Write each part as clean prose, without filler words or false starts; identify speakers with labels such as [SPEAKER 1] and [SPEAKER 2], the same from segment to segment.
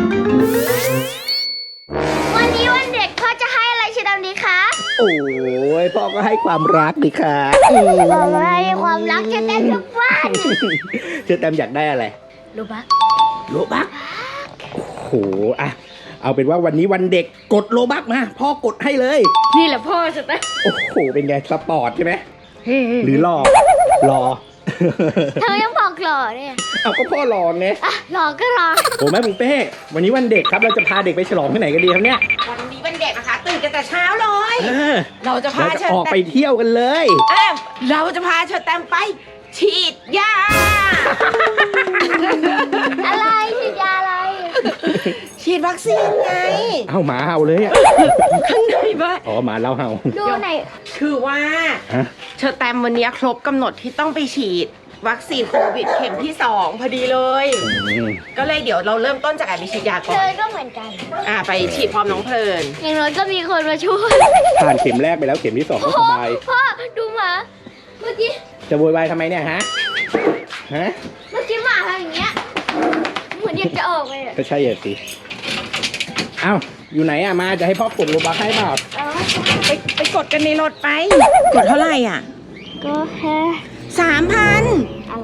[SPEAKER 1] วันนี้วันเด็กพ่อจะให้อะไรชิดำดีคะ
[SPEAKER 2] โอ้ยพ่อก็ให้ความรักดิค่ะ
[SPEAKER 1] เราให้ความรักจะได้ทุกวัน
[SPEAKER 2] เชอแตมอยากได้อะไร
[SPEAKER 1] รู้ปะ
[SPEAKER 2] โลบักโอ้โหอะเอาเป็นว่าวันนี้วันเด็กกดโลบักมาพ่อกดให้เลย
[SPEAKER 1] นี่แหละพ่อจะได้
[SPEAKER 2] โอ้โหเป็นไงสปอร์ตใช่ไหมหรือรอ
[SPEAKER 1] เธอยังบอกหล่อเนี่ย
[SPEAKER 2] เอาก็พ่อรอไง
[SPEAKER 1] อ่ะหล่อก็รอ
[SPEAKER 2] โอ้แม่ปุ้งเป้วันนี้วันเด็กครับเราจะพาเด็กไปฉลองที่ไหนกันดีครับเนี่ย
[SPEAKER 3] วันนี้วันเด็กนะคะตื่นกันแต่เช้าเลย เราจะพา
[SPEAKER 2] เรา
[SPEAKER 3] เช
[SPEAKER 2] จะ
[SPEAKER 3] อ
[SPEAKER 2] ออก
[SPEAKER 3] แต
[SPEAKER 2] ไป
[SPEAKER 3] ม
[SPEAKER 2] เที่ยวกันเลย
[SPEAKER 3] เราจะพาเชอแตมไป ฉีดยา
[SPEAKER 1] อะไรฉีดยาอะไร
[SPEAKER 3] ฉีดวัคซีนไง
[SPEAKER 2] เอาหมาเห่าเลยอะ
[SPEAKER 3] ข้างในบ้าน
[SPEAKER 2] อ๋อหมาเราเห่า
[SPEAKER 1] ดูไหน
[SPEAKER 3] คือว่า
[SPEAKER 2] ฮะ
[SPEAKER 3] เชอแตมวันนี้ครบกำหนดที่ต้องไปฉีดวัคซีนโควิดเข็มที่ 2 พอดีเลย ก็เลยเดี๋ยวเราเริ่มต้นจากการไปฉีดยาก่
[SPEAKER 1] เธ
[SPEAKER 3] อน
[SPEAKER 1] อก็เหมือนกัน
[SPEAKER 3] ไปฉีดพร้อมน้องเพลิน
[SPEAKER 1] อย่างน้อยก็มีคนมาช่วย
[SPEAKER 2] ผ่านเข็มแรกไปแล้วเข็มที่สองก็สบาย
[SPEAKER 1] พ่อดูหมาเมื่อกี้
[SPEAKER 2] จะโวยวายทำไมเนี่ยฮะหมา
[SPEAKER 1] ทำอย่างเงี้ยเหมือนอยากจะออกเลยอะ
[SPEAKER 2] ก็ใช่อ่ะสิเอ้าอยู่ไหนอะมาจะให้พ่อกดโลบักให้เปล่า
[SPEAKER 3] ไปกดกันในรถไป กดเท่าไหร่อ่ะ
[SPEAKER 1] ก็แค่
[SPEAKER 3] 3,000
[SPEAKER 1] อะไร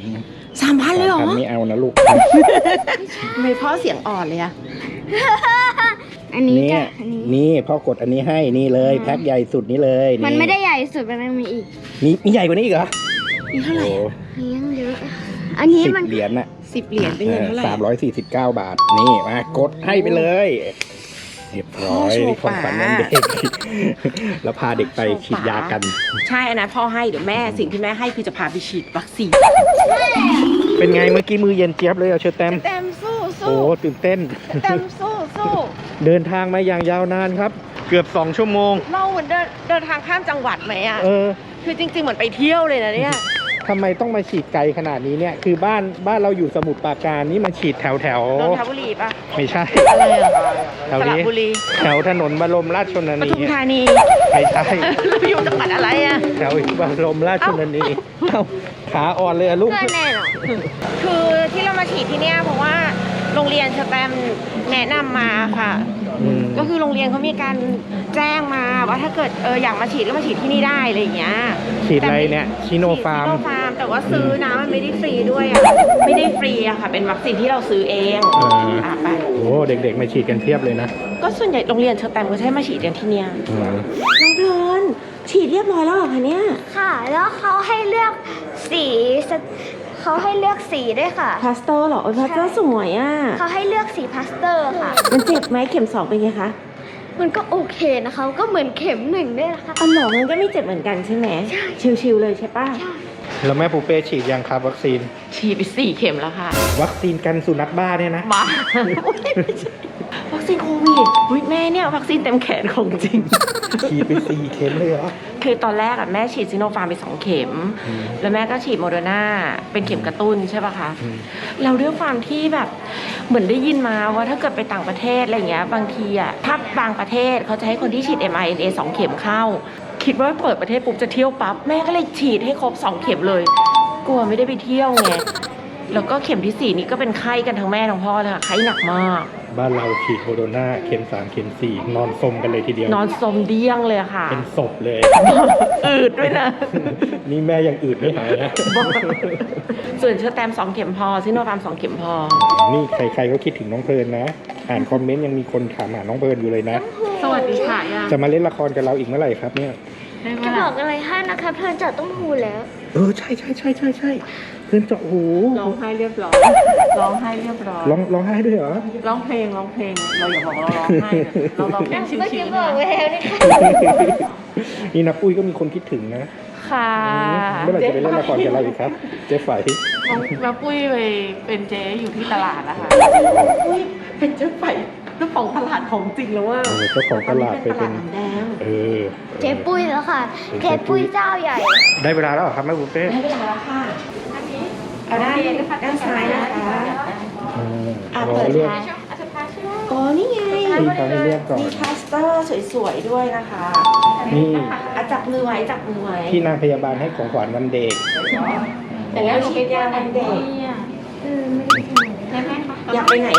[SPEAKER 3] 3,000เลยเหรอ
[SPEAKER 2] ไม่เอานะลูก
[SPEAKER 3] ทำไมพ่อเสียงอ่อนเลยอะ
[SPEAKER 1] อันนี้
[SPEAKER 2] เนี่
[SPEAKER 1] จ้ะ
[SPEAKER 2] ย
[SPEAKER 1] อันนี้
[SPEAKER 2] นี่พ่อกดอันนี้ให้นี่เลยแพ็คใหญ่สุดนี้เลย
[SPEAKER 1] มันไม่ได้ใหญ่สุดมันยังมีอีก
[SPEAKER 2] มีใหญ่กว่านี้อีกเหรอ
[SPEAKER 3] นี่เท่าไหร่
[SPEAKER 2] โอ้
[SPEAKER 1] มียังเยอะ อันนี้
[SPEAKER 2] 10
[SPEAKER 1] มัน
[SPEAKER 2] เหรียญน่ะ
[SPEAKER 3] 10 เหรียญเป็นเงินเท่าไหร่
[SPEAKER 2] 349 บาทนี่มากดให้ไปเลยเรียบร้อยนี่ของขวัญวันเด็ก แล้วพาเด็กไปฉีดยากัน
[SPEAKER 3] ใช่อันนั้นพ่อให้เดี๋ยวแม่สิ่งที่แม่ให้คือจะพาไปฉีดวัคซีน
[SPEAKER 2] เป็นไงเมื่อกี้มือเย็นเจี๊ยบเลยอะเชอแตม
[SPEAKER 3] แตมสู้
[SPEAKER 2] โอ้ตื่นเต้น
[SPEAKER 3] แตมสู้
[SPEAKER 2] เดินทางมาอย่างยาวนานครับ เกือบ2 ชั่วโมง
[SPEAKER 3] เราเหมือนเดินทางข้ามจังหวัดไหมอะ
[SPEAKER 2] เออ
[SPEAKER 3] คือจริงๆเหมือนไปเที่ยวเลยนะเนี่ย
[SPEAKER 2] ทำไมต้องมาฉีดไกลขนาดนี้เนี่ย คือบ้านเราอยู่สมุทรปราการนี่มาฉีดแถว
[SPEAKER 3] นนทบุรีปะ
[SPEAKER 2] ไม่ใช่
[SPEAKER 3] อะไรอะ
[SPEAKER 2] แถว
[SPEAKER 3] สระ
[SPEAKER 2] นี้
[SPEAKER 3] บุรี
[SPEAKER 2] แถวถนนบรมราชชน
[SPEAKER 3] ป
[SPEAKER 2] นี
[SPEAKER 3] ทุมธานี
[SPEAKER 2] ไม่ใช่
[SPEAKER 3] เราอยู่จังหวัดอะไรอะ
[SPEAKER 2] แถวบรมราชชนนีเอ้าขาอ่อนเลยอะลูก
[SPEAKER 1] ก็แน่นอน
[SPEAKER 3] คือที่เรามาฉีดที่เนี่ยเพราะว่าโรงเรียนสแตมแนะนำมาค่ะ ก็คือโรงเรียนเขามีการแจ้งมาว่าถ้าเกิดอยากมาฉีดก็มาฉีดที่นี่ได้อะไรอย่างเงี้ย
[SPEAKER 2] ฉีดอะไรเนี่ยชิโนฟาร์ม
[SPEAKER 3] ชิโนฟาร์มแต่ว่าซื้อนะมันไม่ได้ฟรีด้วยอ่ะไม่ได้ฟรีอะค่ะเป็นวัคซีนที่เราซื้อเองไป
[SPEAKER 2] โอ้เด็กๆมาฉีดกันเพียบเลยนะ
[SPEAKER 3] ก็ส่วนใหญ่โรงเรียนเชอแตมก็ใช้มาฉีดกันที่เนี่ย
[SPEAKER 2] อืม
[SPEAKER 3] น้องเพลินฉีดเรียบร้อยแล้วเหรอคะเนี่ย
[SPEAKER 1] ค่ะ แล้วเขาให้เลือกสีเขาให้เลือกสีด้วยค่ะ
[SPEAKER 3] พลาสเตอร์เหรอพลาสเตอร์สวยอ่ะ
[SPEAKER 1] เขาให้เลือกสีพาสเตอร์ค่ะ
[SPEAKER 3] มันเจ็บไหมเข็ม 2เป็นไงคะ
[SPEAKER 1] มันก็โอเคนะคะ ก็เหมือนเข็ม1ด้วยนะคะ
[SPEAKER 3] อ๋อเหรอมันก็ไม่เจ็บเหมือนกันใช่ไหมชิวๆเลยใช่ป่ะ
[SPEAKER 2] แล้วแม่ปูเป้ฉีดยังครับวัคซีน
[SPEAKER 3] ฉีดไป4 เข็มแล้วค่ะ
[SPEAKER 2] วัคซีนกันสุนัขบ้าเนี่ยนะ
[SPEAKER 3] บ้าวัคซีนโควิดอุ๊ยแม่เนี่ยวัคซีนเต็มแขนของจริง
[SPEAKER 2] ฉีดไป4 เข็มเลยเหรอ
[SPEAKER 3] คือตอนแรกอะแม่ฉีดซิโนฟาร์มไป2 เข็ม แล้วแม่ก็ฉีดโมเดอร์นาเป็นเข็มกระตุ้นใช่ป่ะคะเราด้วยความที่แบบเหมือนได้ยินมาว่าถ้าเกิดไปต่างประเทศอะไรเงี้ยบางทีอะถ้าบางประเทศเขาจะให้คนที่ฉีด mRNA 2 เข็มเข้า คิดว่าเปิดประเทศปุ๊บจะเที่ยวปั๊บแม่ก็เลยฉีดให้ครบ2 เข็มเลย กลัวไม่ได้ไปเที่ยวไงแล้วก็เข็มที่ 4นี่ก็เป็นไข้กันทั้งแม่ทั้งพ่อเลยค่ะไข้หนักมาก
[SPEAKER 2] บ้านเราฉีดโมโดนาเข็ม3เข็ม4นอนสมกันเลยทีเดียวน
[SPEAKER 3] อนสมเดี้ยงเลยค่ะ
[SPEAKER 2] เป็นศพเลย
[SPEAKER 3] อืดด้วยนะ
[SPEAKER 2] นี่แม่ยังอืดไม่หายนะ
[SPEAKER 3] ส่วนเชอแตม2 เข็มพอซิโนฟาร์ม2 เข็มพอ
[SPEAKER 2] นี่ใครๆก็คิดถึงน้องเพลินนะ อ่านคอมเมนต์ยังมีคนถามหาน้องเพลินอยู่เลยนะ
[SPEAKER 3] สวัสดีค่ะยัง
[SPEAKER 2] จะมาเล่นละครกับเราอีกเมื่อไหร่ครับเนี่ย
[SPEAKER 1] จะบอกอะไรให้นะคะเพลินเจาะต้มหูแล้ว
[SPEAKER 2] ใช่เพลินเจาะหู
[SPEAKER 3] ร้องไห้เรียบร้อยร้องไห้เรียบร้อย
[SPEAKER 2] ร้องไห้ด้วยเหรอ
[SPEAKER 3] ร้องเพลงเราอย่าบอกเราร้องไห้นะเราร้องเพลงชิ
[SPEAKER 1] เมื่อกี้
[SPEAKER 3] ว
[SPEAKER 1] บอก
[SPEAKER 3] ๆ
[SPEAKER 1] ไว้
[SPEAKER 3] นะ
[SPEAKER 1] แล้วนี่ค่ะ
[SPEAKER 2] นี่นะปุ้ยก็มีคนคิดถึงนะ
[SPEAKER 3] ค่ะ
[SPEAKER 2] เมื่อไหร่จะไปเล่นละครกับเราอีกครับ เจ๊ไฝ
[SPEAKER 4] น้องปุ้ยไปเป็นเจ๊อยู่ที่ตลาดนะคะ
[SPEAKER 3] อุ้ยเป็นเจ้าไฝเจ้าของตลาดของจริงแล้วว่า
[SPEAKER 2] เจ้าของตลาดไปเป็น
[SPEAKER 3] ตลาดน้ำแดง
[SPEAKER 1] เจ๊ปุ้ยแล้วค่ะ เจ๊ปุ้ยเจ้าใหญ่
[SPEAKER 2] ได้เวลาแล้วเหรอครับแม่บุฟเฟ่
[SPEAKER 3] ได้เวลาแล้วค่ะเอาด้านซ้ายนะคะ
[SPEAKER 2] เราเลือก
[SPEAKER 3] อ๋อนี่ไง
[SPEAKER 2] ที่เขาให้เลือกก่อน
[SPEAKER 3] มีพลาสเตอร์สวยๆด้วยนะคะ
[SPEAKER 2] นี่
[SPEAKER 3] จับมือไว้จับมือไว้
[SPEAKER 2] ที่นางพยาบาลให้ของขวัญวันเด็ก
[SPEAKER 3] แต่แล้วฉีดยาวันเด็กอยากไปไหนล่ะ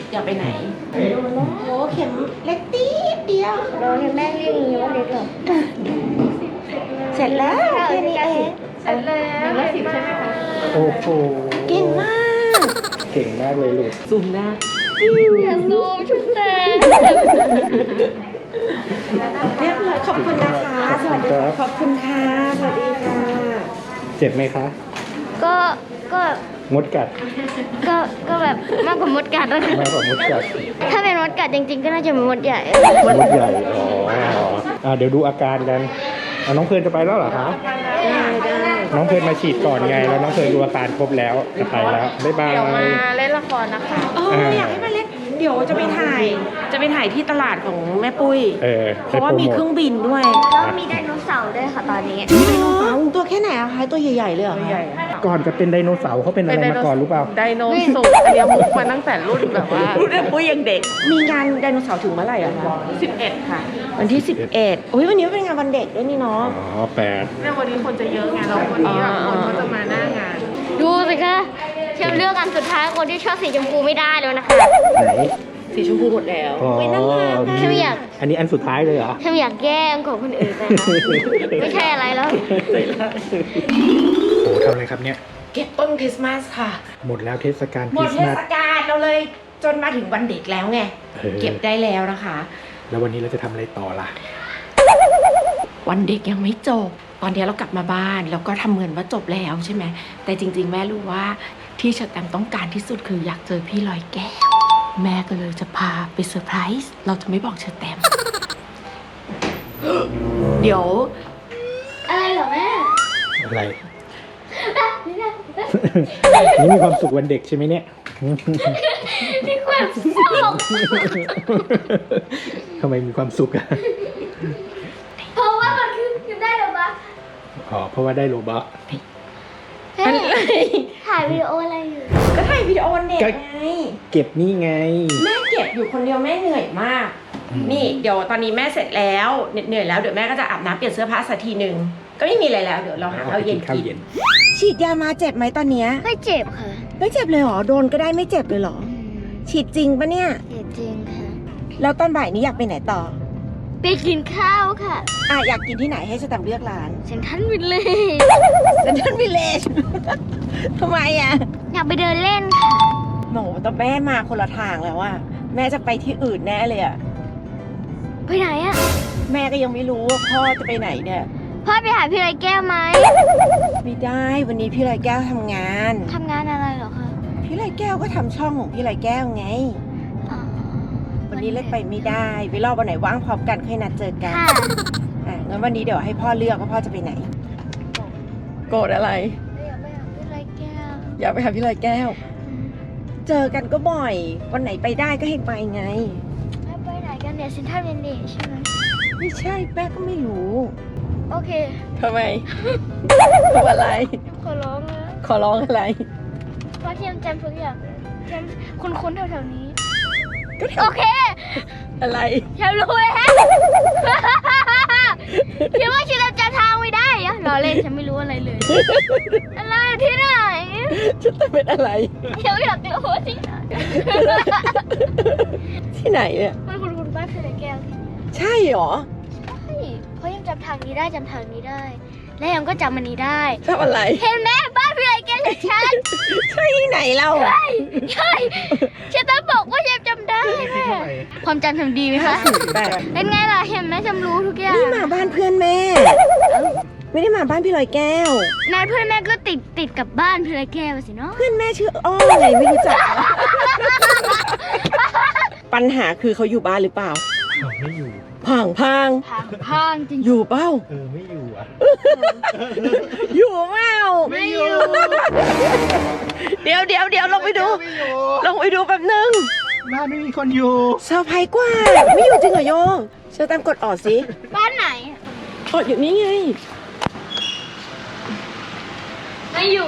[SPEAKER 3] อยากไปไหนดูนะโอ้เข็มเล็กตีเดียว
[SPEAKER 1] เราเห็นแม่เรียกอย่างนี้ว่าเล็กเหรอ
[SPEAKER 3] เสร็จแล้วแค่นี้เอง
[SPEAKER 1] เสร็จแล้ว
[SPEAKER 4] 110ใช่ไหมคะ
[SPEAKER 2] โอ้โห
[SPEAKER 3] เก่งมาก
[SPEAKER 2] เก่งมากเลยลูก
[SPEAKER 3] ซูมหน้า
[SPEAKER 1] อย่าซูมชุดแต่
[SPEAKER 3] เรียบร้อยขอบคุณนะคะ สวัสดีค่ะขอบคุณค่ะสวัสดีค่ะ
[SPEAKER 2] เจ็บไหมคะ
[SPEAKER 1] ก็
[SPEAKER 2] มดกัด
[SPEAKER 1] ก็แบบมากกว่ามดกัดแล้ว
[SPEAKER 2] มากกว่ามดกัด
[SPEAKER 1] ถ้าเป็นมดกัดจริงๆ ก็น่าจะเป็นมดใหญ่
[SPEAKER 2] มดใหญ่ อ๋อเดี๋ยวดูอาการกันน้องเพลินจะไปแล้วเหรอคะ
[SPEAKER 3] ได้
[SPEAKER 2] น้องเพลินมาฉีดก่อนไง แล้วน้องเพลินดูอาการครบแล้วจะไปแล้ว บ๊ายบาย
[SPEAKER 4] เดี๋ยวมาเล่นละครนะคะ
[SPEAKER 3] อยากให้มาเล่นเดี๋ยวจะไปถ่ายที่ตลาดของแม่ปุ้ย เพราะว่ามีเครื่องบินด้วย
[SPEAKER 1] แล้วมีไดโนเสาร์ด้วยค่ะตอนนี้
[SPEAKER 3] ไดโนเสาร์ตัวแค่ไหนอะคะตัวใหญ่ๆเลยเหรอคะ
[SPEAKER 2] ก่อนจะเป็นไดโนเสาร์เขาเป็นอะไรมาก่อนรู้เปล่า
[SPEAKER 4] ไดโนเสาร์อันเนี้ยมุกมาตั้งแต่รุ่นแบบว่า
[SPEAKER 3] รุ่นแม่ปุ้ยยังเด็ก มีงานไดโนเสาร์ถึงเมื่อไหร่อะคะ
[SPEAKER 4] 11 ค่ะ
[SPEAKER 3] วันที่ 11อุ้ยวันนี้เป็นงานวันเด็กด้วยนี่เนาะ
[SPEAKER 2] อ๋อ8
[SPEAKER 4] เนี่ยวันนี้คนจะเยอะไงแล้ววันนี้แบบคนก็จะมาหน้างาน
[SPEAKER 1] ดูสิคะเชมเลือกอันสุดท้ายคนที่ชอบสีชมพูไม่ได้แล้วนะคะ
[SPEAKER 2] ไหน
[SPEAKER 3] สีชมพูหมดแล้ว
[SPEAKER 2] อ๋อ
[SPEAKER 1] เชมอยาก
[SPEAKER 2] อันนี้อันสุดท้ายเลยเหรอ
[SPEAKER 1] เชมอยากแย่งของคนอื่นไปนะไม่ใช่อะไรแล้ว
[SPEAKER 2] โอ้ทำอะไรครับเนี่ย
[SPEAKER 3] เก็บต้นคริสต์มาสค่ะ
[SPEAKER 2] หมดแล้วเทศกาลค
[SPEAKER 3] หม
[SPEAKER 2] ริ
[SPEAKER 3] ด
[SPEAKER 2] ส
[SPEAKER 3] เท
[SPEAKER 2] ต์มาส
[SPEAKER 3] ศกาลเราเลยจนมาถึงวันเด็กแล้วไง เก็บได้แล้วนะคะ
[SPEAKER 2] แล้ววันนี้เราจะทำอะไรต่อล่ะ
[SPEAKER 3] วันเด็กยังไม่จบ ตอนนี้เรากลับมาบ้านแล้วก็ทำเหมือนว่าจบแล้วใช่ไหม แต่จริงๆ แม่รู้ว่าที่เชอร์แตมต้องการที่สุดคืออยากเจอพี่ลอยแก้ว แม่ก็เลยจะพาไปเซอร์ไพรส์ เราจะไม่บอกเชอร์แตม เดี๋ยว
[SPEAKER 1] อะไรเหรอแม่
[SPEAKER 2] อะไร นี่มีความสุขวันเด็กใช่ไหมเนี่ย
[SPEAKER 1] มีความสุข
[SPEAKER 2] ทำไมมีความสุขอะ
[SPEAKER 1] เพราะว่ามันคือได้หรอปะ
[SPEAKER 2] อ๋อ เพราะว่าได้โลบัค
[SPEAKER 1] ถ่ายวิดีโออะไรอยู่
[SPEAKER 3] ก็ถ่ายวิดีโอวันเด็กไง
[SPEAKER 2] เก็บนี่ไง
[SPEAKER 3] แม่เก็บอยู่คนเดียวแม่เหนื่อยมาก นี่เดี๋ยวตอนนี้แม่เสร็จแล้วเหนื่อยแล้วเดี๋ยวแม่ก็จะอาบน้ำเปลี่ยนเสื้อผ้าสักทีหนึ่งก็ไม่มีอะไรแล้วเดี๋ยวเราหาข้าวเย็น
[SPEAKER 2] ข้าว
[SPEAKER 3] กิน
[SPEAKER 2] เย็น
[SPEAKER 3] ฉีดยามาเจ็บไหมตอนเนี้ย
[SPEAKER 1] ไม่เจ็บค่ะ
[SPEAKER 3] ไม่เจ็บเลยเหรอโดนก็ได้ไม่เจ็บเลยเหรอฉีดจริงปะเนี่ย
[SPEAKER 1] เจ็บจริงค่ะ
[SPEAKER 3] แล้วตอนบ่ายนี้อยากไปไหนต่อ
[SPEAKER 1] ไปกินข้าวค่ะ
[SPEAKER 3] อยากกินที่ไหนให้สแตมป์เลือกร้าน
[SPEAKER 1] เซนทรัลวิลเลจ
[SPEAKER 3] เซนทรัลวิลเลจ ทำไมอ่ะ
[SPEAKER 1] อยากไปเดินเล่นค่ะ
[SPEAKER 3] โหแต่แม่มาคนละทางแล้วอ่ะแม่จะไปที่อื่นแน่เลยอ่ะ
[SPEAKER 1] ไปไหนอะ
[SPEAKER 3] แม่ก็ยังไม่รู้ว่าพ่อจะไปไหนเนี่ย
[SPEAKER 1] พ่อไปหาพี่ไรแก้วไหม
[SPEAKER 3] ไม่ได้วันนี้พี่ลอยแก้วทำงาน
[SPEAKER 1] ทำงานอะไรเหรอคะ
[SPEAKER 3] พี่ลอยแก้วก็ทำช่องของพี่ลอยแก้วไง
[SPEAKER 1] อ๋อ
[SPEAKER 3] วันนี้เล่นไปไม่ได้ไปรอบวันไหนว่างพร้อมกันค่อยนัดเจอกัน
[SPEAKER 1] ค่ะ
[SPEAKER 3] งั้นวันนี้เดี๋ยวให้พ่อเลือกว่าพ่อจะไปไหน โกรธอะไร
[SPEAKER 1] อยากไปหาพี่ไรแก้ว
[SPEAKER 3] อยากไปหาพี่ลอยแก้ว เจอกันก็บ่อย วันไหนไปได้ก็ให้ไปไง
[SPEAKER 1] แล้วไปไหนกันเนี่ยเซนทรัลวิลเลจใช่ไหม
[SPEAKER 3] ไม่ใช่แม่ก็ไม่รู้
[SPEAKER 1] โอเค
[SPEAKER 3] ทำไม ทำอะไร
[SPEAKER 1] ขอร้องนะ
[SPEAKER 3] ขอร้องอะไร
[SPEAKER 1] เพราะเทียมจำทุกอย่างเลยเทียมคุ้นๆแถวๆนี้
[SPEAKER 3] ก็แถ
[SPEAKER 1] โอ
[SPEAKER 3] ว
[SPEAKER 1] เค
[SPEAKER 3] อะไร
[SPEAKER 1] เทียมรู้แล้วคิดว่าฉันจำทางไม่ได้อะรอเล่นฉันไม่รู้อะไรเลย อะไรที่ไหน
[SPEAKER 3] ฉันจะเป็นอะไร
[SPEAKER 1] เทียมอยากรู้ว่าที่ไหน
[SPEAKER 3] ที่ไหนเนี่ย
[SPEAKER 1] มันคุ้นๆบ้านพี่ไรแก้วที่
[SPEAKER 3] ใช่หรอ
[SPEAKER 1] ใช่เพราะยังจำทางนี้ได้จำทางนี้ได้ และยังก็จำมันนี้ได้
[SPEAKER 3] ชอบอะไร
[SPEAKER 1] เห็นไหมบ้านพี่ไรแก้วชัด
[SPEAKER 3] ใช่ที่ไหนเรา
[SPEAKER 1] ๆใช่ใช่ฉันต้องบอกว่ายังจำได้แม่ความจำทำดีไหมคะ
[SPEAKER 3] แบบ
[SPEAKER 1] เป็นไงล่ะเห็นไหมจำรู้ทุกอย่าง
[SPEAKER 3] นี่มาบ้านเพื่อนแม่ ไม่ได้มาบ้านพี่ลอยแก้ว
[SPEAKER 1] นายเพื่อนแม่ก็ติดกับบ้านพี่ไรแก้วสิเนาะ
[SPEAKER 3] เพื่อนแม่ชื่ออ้อไงไม่รู้จัก ปัญหาคือเขาอยู่บ้านหรือเปล่า
[SPEAKER 2] ไม่อยู่
[SPEAKER 3] พัง
[SPEAKER 1] พังจริง
[SPEAKER 3] อยู่เปล่า
[SPEAKER 2] ไม่อยู่อ่ะ
[SPEAKER 3] อยู่เปล่า
[SPEAKER 1] ไม่อยู่
[SPEAKER 3] เดี๋ยวลงไปดู ลงไปดูแป๊บนึง
[SPEAKER 2] บ้านไม่มีคนอยู่
[SPEAKER 3] เซอร์ไพรส์กว่า ไม่อยู่จริงเหรอโยเชิญตามกดออดสิ
[SPEAKER 1] บ้านไหน
[SPEAKER 3] ออดอยู่นี่ไง
[SPEAKER 1] ไม่อยู่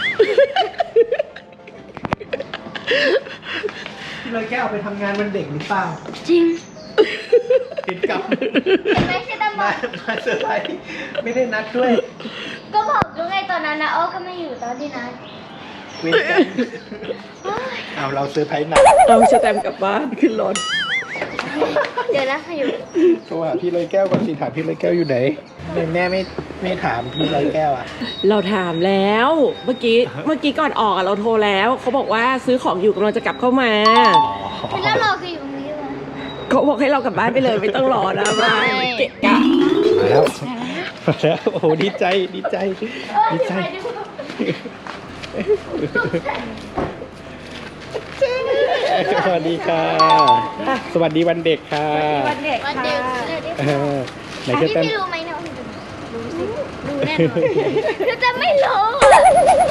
[SPEAKER 2] พี่ลอยแก้วไปทำงานวันเด็กหรือเปล่า
[SPEAKER 1] จริง
[SPEAKER 2] ติดกับ
[SPEAKER 1] เห็นไหมใช่ตาบอ
[SPEAKER 2] มาเซอร์ไพรส์ไม่ได้นัดด้วย
[SPEAKER 1] ก็บอกแล้วไงตอนนั้นนะอ้อก็ไม่อยู่ตอนที่นัด
[SPEAKER 2] เว้นกันเอาเราเซอร์ไพรส์หนัก
[SPEAKER 3] เอาสแตมป์กลับบ้านขึ้นรถ
[SPEAKER 1] เดี๋ยวนะอยู่
[SPEAKER 2] โทรหาพี่ร้อยแก้วก่อนสิถามพี่ร้อยแก้วอยู่ไหนแม่ไม่ถามพี่ร้อยแก้วอ่ะ
[SPEAKER 3] เราถามแล้ว เมื่อกี้ก่อนออกอะเราโทรแล้วเขาบอกว่าซื้อของอยู่กำลังจะกลับเข้ามา
[SPEAKER 1] พี่แล้วรอคืออยู่ตรงนี้เลย
[SPEAKER 3] เขาบอกให้เรากลับบ้านไปเลยไม่ต้องรอนะมาเกะกะ
[SPEAKER 2] มาแล้วโอ้โหดีใจดีใจสวัสดีค่ะสวัสดีวันเด็กค่ะ
[SPEAKER 3] วันเด็ก
[SPEAKER 1] วัน
[SPEAKER 3] ค่ะ
[SPEAKER 1] เดียวเลย
[SPEAKER 2] เออไหน
[SPEAKER 1] อัน
[SPEAKER 2] จะ
[SPEAKER 1] นี้
[SPEAKER 2] เต้น
[SPEAKER 1] พี่รู้ไหมเนี่ยรู้สิรู้แน่นอนคือจะไม่รู้อะ
[SPEAKER 2] เอ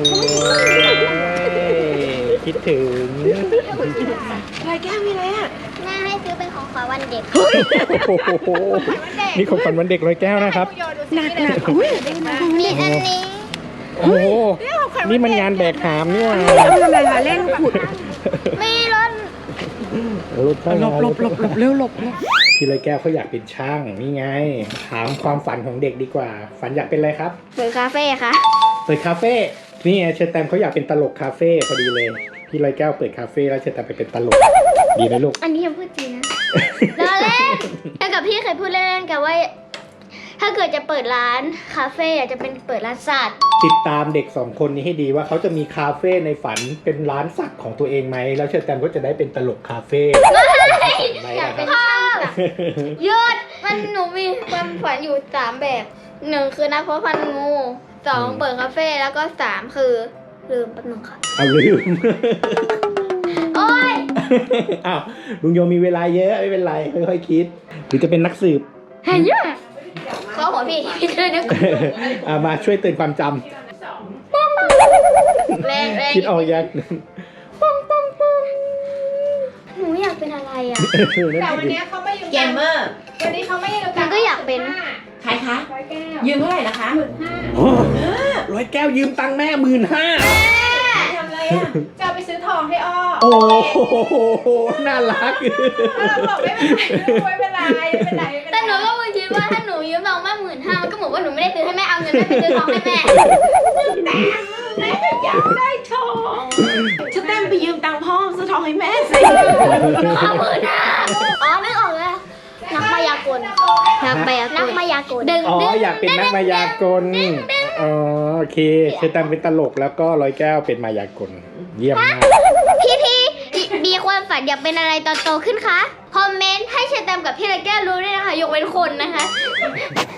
[SPEAKER 2] อคิดถึง
[SPEAKER 3] อะไรแก้วมีอะไรอ่ะ
[SPEAKER 1] แม่ให้ซื้อเป็นของขวัญวันเด็ก
[SPEAKER 2] โอ้โหนี่ของขวัญวันเด็กร้อยแก้วนะครับ
[SPEAKER 3] หนักอุ้ย
[SPEAKER 1] มีอันนี้
[SPEAKER 2] โอ้โหนี่มันงานแบกหามนี่หว่า
[SPEAKER 3] ทำอะไรคะเล่นขุด
[SPEAKER 1] มีรถ
[SPEAKER 2] รถเข้า
[SPEAKER 3] หล
[SPEAKER 2] มา
[SPEAKER 3] บเร็วหลบ
[SPEAKER 2] พี่ร้อยแก้วเขาอยากเป็นช่างนี่ไง ถามความฝันของเด็กดีกว่า ฝันอยากเป็นอะไรครับ
[SPEAKER 1] เปิดคาเฟ่ค่ะ
[SPEAKER 2] เปิดคาเฟ่ นี่ไงเชอร์แตมเขาอยากเป็นตลกคาเฟ่พอดีเลย พี่ร้อยแก้วเปิดคาเฟ่แล้วเชอร์แตมไปเป็นตลก ดีไหมลูก
[SPEAKER 1] อันนี้ยังพูดจริงนะล้อเล่นแต่กับพี่เคยพูดเล่นๆกันว่า ถ้าเกิดจะเปิดร้านคาเฟ่อะจะเป็นเปิดร้านสัตว์
[SPEAKER 2] ติดตามเด็กสองคนนี้ให้ดีว่าเขาจะมีคาเฟ่ในฝันเป็นร้านสักของตัวเองไหม แล้วเชอร์แตมก็จะได้เป็นตลกคาเฟ่
[SPEAKER 1] อยากเป็นช่างยอดมันหนูมีความฝันอยู่3แบบ1คือนักเพาะพันธุ์งู2เปิดคาเฟ่แล้วก็3คือลืมแป๊บนึงค่ะ
[SPEAKER 2] เอาลืม
[SPEAKER 1] โอ้ย
[SPEAKER 2] อ้าวลุงโยมีเวลาเยอะไม่เป็นไรค่อยๆคิด หรือจะเป็นนักสืบ
[SPEAKER 1] เห็นยังเขาหัวพี่พี่เลยนึก
[SPEAKER 2] มาช่วยเตือนความจ
[SPEAKER 1] แรง
[SPEAKER 2] ำคิดออกยัง
[SPEAKER 1] หนูอยากเป็นอะไรอ่ะ
[SPEAKER 4] แต่วันนี้เขาไม่อยู่
[SPEAKER 3] เกมเมอร์
[SPEAKER 4] วันนี้เขาไม่อยู่
[SPEAKER 1] มันก็อยากเป็น
[SPEAKER 3] ใครคะยืมเท่าไหร่นะคะ
[SPEAKER 2] ร้อยแก้วยืมตังค์แม่15,000
[SPEAKER 3] ทำอะไรอ่ะ
[SPEAKER 4] จะเอาไปซื้อทองให้อ้อ
[SPEAKER 2] โอ้โหน่ารัก
[SPEAKER 4] เราบอกไม่เป็นไรไม่เป็นไร
[SPEAKER 1] แต่หนูก็คิดว่าถ้าหนูยืมเรามาก15,000มันก็เหมือนว่าหนูไม่ได้ซื้อให้แม่เอาเงินแม่ไปซื้อของให้แม่
[SPEAKER 3] แม่อยากได้ทองจะเต้นไปยืมตังค์พ่อซื้อทองให้แม่สิ
[SPEAKER 1] เอา15,000อ๋อนึกออกแล้วนักมายากลนักมายากลดึง
[SPEAKER 2] อ๋ออยากเป็นนักมายากลอ๋อโอเคเชอร์แตมเป็นตลกแล้วก็ร้อยแก้วเป็นมายากลเยี่ยมมาก
[SPEAKER 1] พี่มีความฝันอยากเป็นอะไรตอนโตขึ้นคะคอมเมนต์ให้เชอร์แตมกับพี่ไรแก้วรู้ด้วยนะคะยกเว้นคนนะคะ